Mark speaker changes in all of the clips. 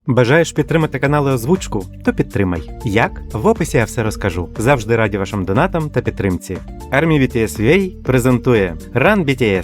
Speaker 1: Бажаєш підтримати канали Озвучку? То підтримай. Як? В описі я все розкажу. Завжди раді вашим донатам та підтримці. Army BTS UA презентує Run BTS,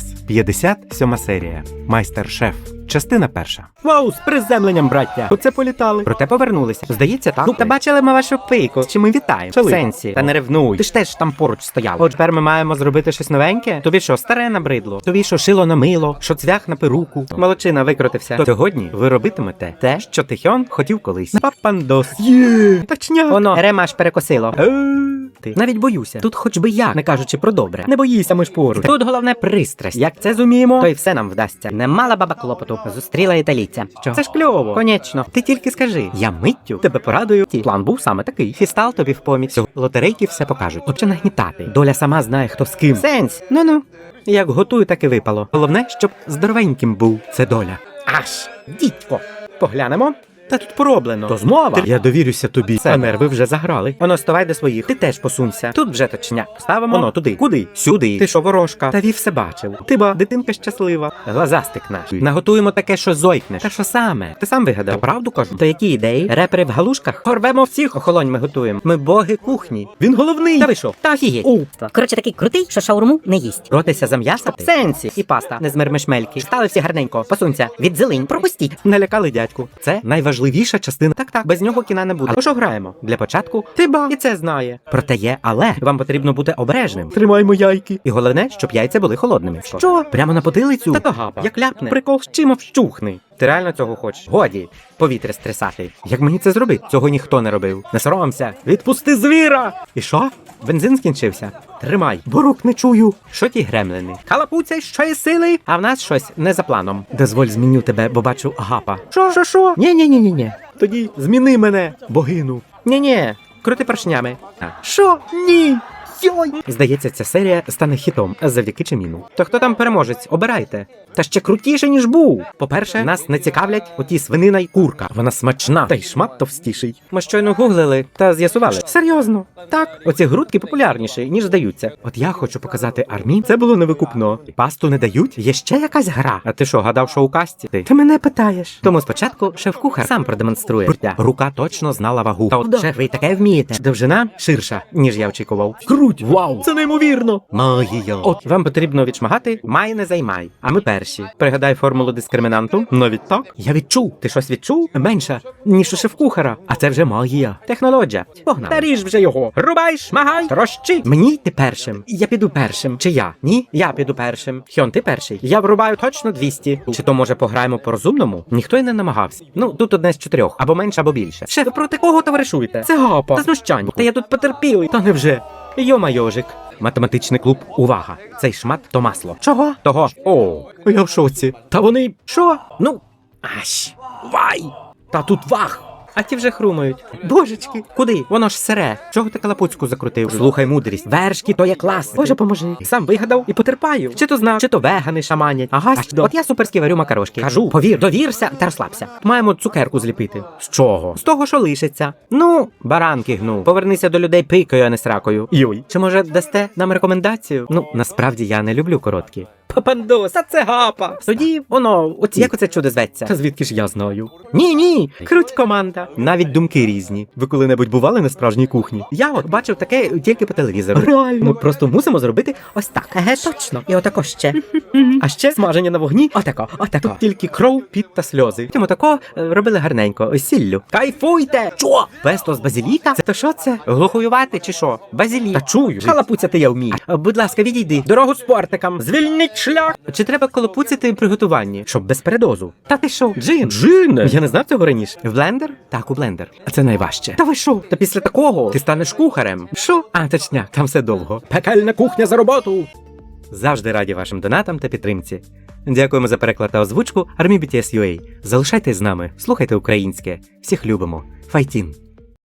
Speaker 1: 57 серія. Майстер-шеф. Частина перша.
Speaker 2: Вау, з приземленням, браття! Оце політали. Проте повернулися. Здається, так. Ну, та бачили ми вашу пику. Чи ми вітаємо? В сенсі. Та не ревнуй. Ти ж теж там поруч стояв. От тепер ми маємо зробити щось новеньке? Тобі що, старе набридло? Тобі що, шило на мило? Що цвях на перуку? Молодчина, викрутився. Сьогодні ви робитимете те, що Тихьон хотів колись. Папандос. Є! Точня. Воно, ремаш перекосило. Ти. Навіть боюся. Тут хоч би як, не кажучи про добре. Не боїся, ми ж поруч. Тут головне пристрасть. Як це зуміємо, то й все нам вдасться. Не мала баба клопоту. Зустріла італійця. Що? Це ж кльово. Конечно. Ти тільки скажи. Я миттю тебе порадую. План був саме такий. Фістал тобі в поміч. Лотерейки все покажуть. Отже нагнітати. Доля сама знає, хто з ким. Сенс. Ну-ну. Як готую, так і випало. Головне, щоб здоровеньким був. Це доля. Аж. Дідько. Поглянемо. Та тут пороблено. То змова. Я довірюся тобі. А нерви вже заграли. Воно ставай до своїх. Ти теж посунься. Тут вже точняк. Ставимо. Воно туди. Куди? Сюди. Ти що, ворожка? Та вів все бачив. Ти ба, дитинка щаслива. Глазастик наш. Наготуємо таке, що зойкнеш. Та що саме? Ти сам вигадав. Та правду кажу. То які ідеї? Репери в галушках? Порвемо всіх. Охолонь ми готуємо. Ми боги кухні. Він головний. Та ви що? Та офігеть.
Speaker 3: Коротше, такий крутий, що шаурму не їсть.
Speaker 2: Ротися за м'ясо? В сенсі. І паста. Не з мермешмельки. Стали всі гарненько. Посунься. Від зелень. Пропустіть. Налякали дядьку. Це найважливіша частина. Так, без нього кіна не буде. А що граємо? Для початку ти ба. І це знає. Проте є, але вам потрібно бути обережним. Тримаймо яйки. І головне, щоб яйця були холодними. Що? Прямо на потилицю? Та то гапа. Як ляпне. Прикол з чим вщухни. Ти реально цього хочеш? Годі. Повітря стресати. Як мені це зробити? Цього ніхто не робив. Не соромся. Відпусти звіра! І що? Бензин скінчився? Тримай. Бо рук не чую. Що ті гремлини? Халапуця, що є сили? А в нас щось не за планом. Дозволь зміню тебе, бо бачу гапа. Що? Ні. Тоді зміни мене, богину. Ні. Крути поршнями. Що? Ні. Йой! Здається, ця серія стане хітом завдяки Чиміну. То хто там переможець? Обирайте. Та ще крутіше, ніж був. По-перше, нас не цікавлять оті свинина й курка. Вона смачна, та й шмат товстіший. Ми щойно гуглили та з'ясували. Серйозно? Так. Оці грудки популярніші, ніж здаються. От я хочу показати армії. Це було невикупно. Пасту не дають? Є ще якась гра. А ти що, гадав, що у касті? Ти мене питаєш. Тому спочатку шеф-кухар сам продемонструє. Рука точно знала вагу. Та от шеф, ви таке вмієте. Довжина ширша, ніж я очікував. Вау! Це неймовірно! Магія! От, вам потрібно відшмагати «май не займай», а ми перші. Пригадай формулу дискримінанту. Навіть так? Я відчув. Ти щось відчув? Менше, ніж у шеф-кухара. А це вже магія. Технологія. Погнали. Та ріж вже його. Рубай, шмагай, трощи. Мені йти першим. Я піду першим. Чи я? Ні? Я піду першим. Хьон, ти перший. Я врубаю точно 200. Чи то, може, пограємо по-розумному? Ніхто й не намагався. Ну, тут одне з 4. Або менше, або більше. Шеф, ви проти кого товаришуєте? Це гапа. Та знущань. Та я тут потерпілий. Та невже? Йо-майожик. Математичний клуб. Увага. Цей шмат то масло. Чого? Того. О, я в шоці. Та вони... Що? Ну, аж. Вай. Та тут вах. А ті вже хрумають. Божечки. Куди? Воно ж сире. Чого ти калапуцьку закрутив? Слухай мудрість. Вершки то є клас. Боже, поможи. Сам вигадав і потерпаю. Чи то знав, чи то вегани шаманять. Ага, от я суперськи варю макарошки. Кажу, повір, довірся та розслабся. Маємо цукерку зліпити. З чого? З того, що лишиться. Ну, баранки гну. Повернися до людей пикою, а не сракою. Йой. Чи може дасте нам рекомендацію? Ну, насправді я не люблю короткі. Папандос, а це гапа. Тоді, воно, оці. Як оце чудо зветься? Та звідки ж я знаю? Ні. Круть команда. Навіть думки різні. Ви коли-небудь бували на справжній кухні? Я от бачив таке тільки по телевізору. Реально. Ми просто мусимо зробити ось так. Точно. І отако ще. А ще смаження на вогні. Отако. Тут тільки кров, піт та сльози. Тим отако робили гарненько. Ось сіллю. Кайфуйте! Що? Песто з базиліка? Це то що це? Глухоювати чи що? Базилік. Та чую. Халапуцяти я вмію. Будь ласка, відійди. Дорогу спортикам. Звільніть шлях. Чи треба колопуцяти при готуванні? Щоб без передозу. Та ти що? Джин? Я не знав цього раніше. В блендер? Так, у блендер. А це найважче. Та ви що? Та після такого ти станеш кухарем. Що? А, точняк, там все довго. Пекельна кухня за роботу. Завжди раді вашим донатам та підтримці. Дякуємо за переклад та озвучку Army BTS UA. Залишайтесь з нами, слухайте українське. Всіх любимо. Файтін!